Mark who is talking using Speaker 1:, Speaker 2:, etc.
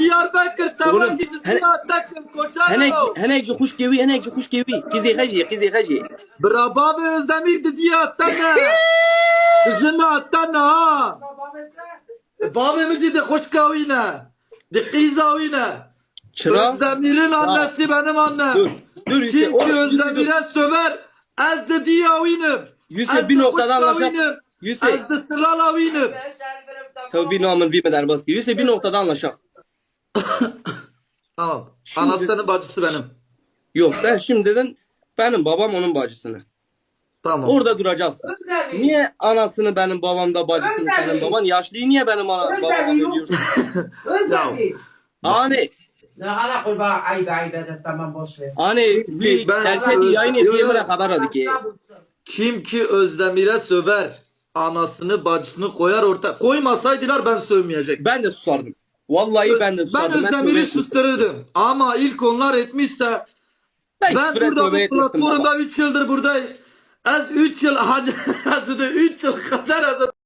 Speaker 1: Diyarbakır
Speaker 2: Oğlum,
Speaker 1: tamam gidin takım
Speaker 2: Henek
Speaker 1: koçarım.
Speaker 2: henek ji xuş gevi. Kizê xejî.
Speaker 1: Bravo ve Özdemir dedi attana. Kızını attana ha. Babamızı da hoş kavine. De kızavine.
Speaker 2: Çıra.
Speaker 1: Özdemir'in annesi benim annem.
Speaker 2: Dur. Dur Yusuf.
Speaker 1: Kim ki
Speaker 2: Oğlum,
Speaker 1: Özdemir'e söver. Ez de diyavinim.
Speaker 2: Yusuf bir noktada anlaşak. Yusuf.
Speaker 1: Ez de sıralavinim.
Speaker 2: Tabii namın bir medar baskı. Yusuf bir noktada anlaşak.
Speaker 1: Tamam.
Speaker 2: Şimdi-
Speaker 1: Anasının bacısı benim.
Speaker 2: Yok sen şimdiden benim babam onun bacısını.
Speaker 1: Tamam.
Speaker 2: Orada duracaksın. Niye anasını benim babamda bacısını senin baban? Yaşlıyı niye benim babama veriyorsun? Hani
Speaker 3: لا قربا عيب عيب tamam boş ver.
Speaker 2: hani bir
Speaker 1: Ben-
Speaker 2: terketi yayın ettiğime haber aldı ki.
Speaker 1: Kim ki Özdemir'e söver. Anasını bacısını koyar orta. Koymasaydılar ben sövmeyecektim.
Speaker 2: Ben de susardım. Vallahi ben de
Speaker 1: Ben
Speaker 2: susardım.
Speaker 1: Özdemir'i sustururdum. Ama ilk onlar etmişse ben burada bu platformda 3 yıldır buradayım. Az 3 yıl 3 yıl kadar az